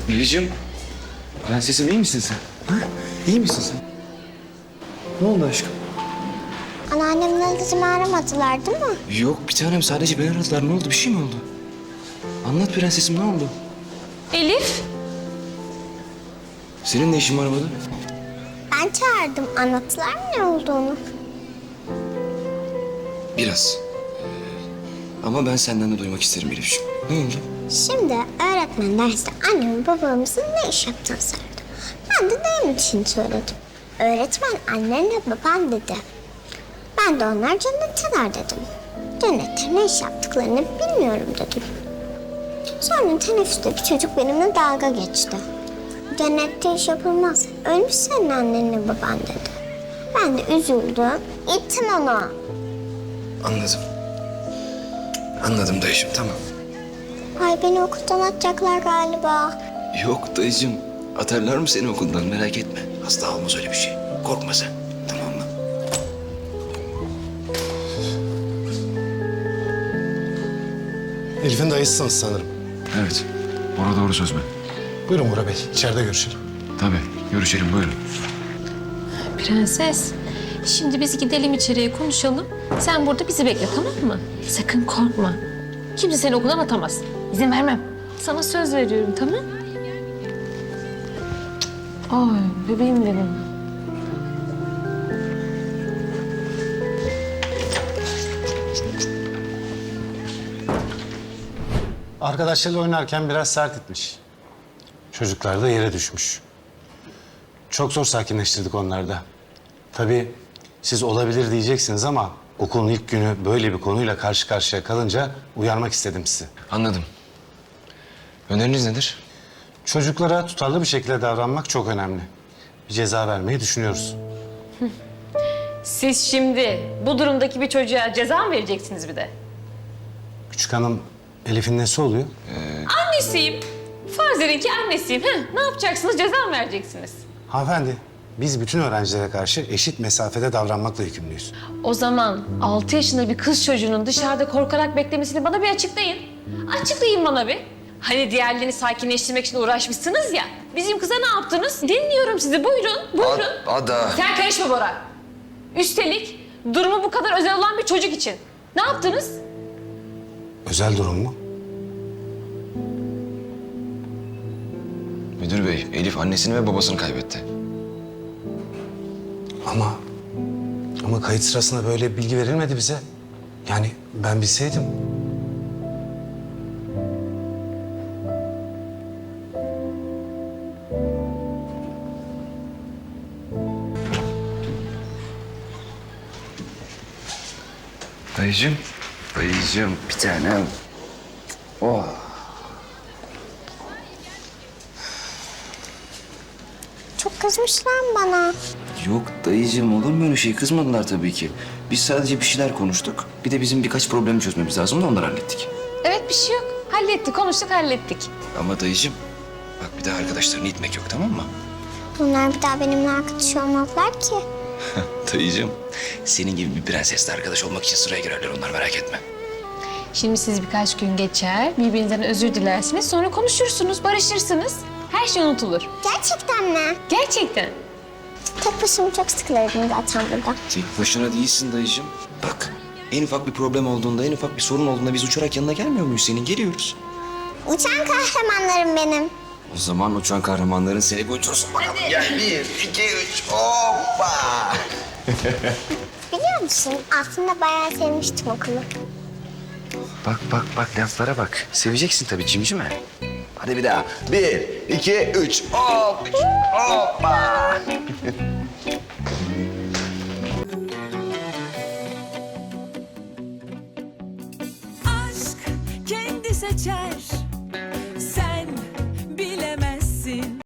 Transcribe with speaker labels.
Speaker 1: Melih'ciğim, prensesim iyi misin sen? Ha? İyi misin sen? Ne oldu aşkım?
Speaker 2: Anneannemle dedemi aramadılar değil mi?
Speaker 1: Yok bir tanem, sadece beni aradılar. Ne oldu, bir şey mi oldu? Anlat prensesim, ne oldu?
Speaker 3: Elif.
Speaker 1: Senin ne işin var burada?
Speaker 2: Ben çağırdım. Anlattılar mı ne olduğunu?
Speaker 1: Biraz. Ama ben senden de duymak isterim Elif'ciğim. Ne oldu?
Speaker 2: Şimdi öğretmen derste annemin babamızın ne iş yaptığını sordu. Ben de dayım için söyledim. Öğretmen annenle baban dedi. Ben de onlar cennetteler dedim. Cennette ne iş yaptıklarını bilmiyorum dedim. Sonra teneffüste bir çocuk benimle dalga geçti. Cennette iş yapılmaz. Ölmüş senin annenle baban dedi. Ben de üzüldüm. İttim onu.
Speaker 1: Anladım. Anladım dayıcığım, tamam.
Speaker 2: Ay beni okuldan atacaklar galiba.
Speaker 1: Yok dayıcığım, atarlar mı seni okuldan, merak etme. Asla olmaz öyle bir şey. Korkma sen, tamam mı?
Speaker 4: Elif'in dayısısınız sanırım.
Speaker 5: Evet. Bora doğru söz mü?
Speaker 4: Buyurun Bora Bey, içeride görüşelim.
Speaker 5: Tabii. Görüşelim, buyurun.
Speaker 3: Prenses. Şimdi biz gidelim içeriye konuşalım. Sen burada bizi bekle, tamam mı? Sakın korkma. Kimse seni okuldan atamaz. İzin vermem. Sana söz veriyorum, tamam? Ay bebeğim benim.
Speaker 4: Arkadaşlarıyla oynarken biraz sert etmiş. Çocuklar da yere düşmüş. Çok zor sakinleştirdik onları da. Tabii siz olabilir diyeceksiniz ama okulun ilk günü böyle bir konuyla karşı karşıya kalınca uyarmak istedim sizi.
Speaker 1: Anladım. Öneriniz nedir?
Speaker 4: Çocuklara tutarlı bir şekilde davranmak çok önemli. Bir ceza vermeyi düşünüyoruz.
Speaker 3: Siz şimdi bu durumdaki bir çocuğa ceza mı vereceksiniz bir de?
Speaker 4: Küçük hanım Elif'in nesi oluyor?
Speaker 3: Annesiyim. Farz edin ki annesiyim. Ne yapacaksınız? Ceza mı vereceksiniz?
Speaker 4: Hanımefendi, biz bütün öğrencilere karşı eşit mesafede davranmakla yükümlüyüz.
Speaker 3: O zaman 6 yaşında bir kız çocuğunun dışarıda korkarak beklemesini bana bir açıklayın. Açıklayın bana bir. Hani diğerlerini sakinleştirmek için uğraşmışsınız ya. Bizim kıza ne yaptınız? Dinliyorum sizi. Buyurun, buyurun.
Speaker 1: Ada.
Speaker 3: Sen karışma Bora. Üstelik durumu bu kadar özel olan bir çocuk için. Ne yaptınız?
Speaker 4: Özel durum mu?
Speaker 1: Müdür bey, Elif annesini ve babasını kaybetti.
Speaker 4: Ama kayıt sırasında böyle bilgi verilmedi bize. Yani ben bilseydim.
Speaker 1: Dayıcığım, dayıcığım bir tanem. Oh.
Speaker 2: Çok kızmışlar mı bana?
Speaker 1: Yok dayıcığım, olur mu öyle şey? Kızmadılar tabii ki. Biz sadece bir şeyler konuştuk. Bir de bizim birkaç problemi çözmemiz lazım da onları hallettik.
Speaker 3: Evet bir şey yok. Hallettik, konuştuk, hallettik.
Speaker 1: Ama dayıcığım, bak bir daha arkadaşlarını itmek yok, tamam mı?
Speaker 2: Bunlar bir daha benimle arkadaş olmazlar ki.
Speaker 1: Dayıcığım, senin gibi bir prensesle arkadaş olmak için sıraya girerler onlar, merak etme.
Speaker 3: Şimdi siz birkaç gün geçer, birbirinizden özür dilersiniz, sonra konuşursunuz, barışırsınız. Her şey unutulur.
Speaker 2: Gerçekten mi?
Speaker 3: Gerçekten.
Speaker 2: Tek başıma çok sıkılırdım zaten burada.
Speaker 1: Tek başına değilsin dayıcığım. Bak, en ufak bir problem olduğunda, en ufak bir sorun olduğunda biz uçarak yanına gelmiyor muyuz senin? Geliyoruz.
Speaker 2: Uçan kahramanlarım benim.
Speaker 1: O zaman uçan kahramanların seni bir uçursun bakalım. Gel, 1, 2, 3, hoppa!
Speaker 2: Biliyor musun? Aslında bayağı sevmiştim okulu.
Speaker 1: Bak, bak, bak, laflara bak. Seveceksin tabii cimcime. Hadi bir daha. 1, 2, 3, hop! Hoppa!
Speaker 6: aşk kendi seçer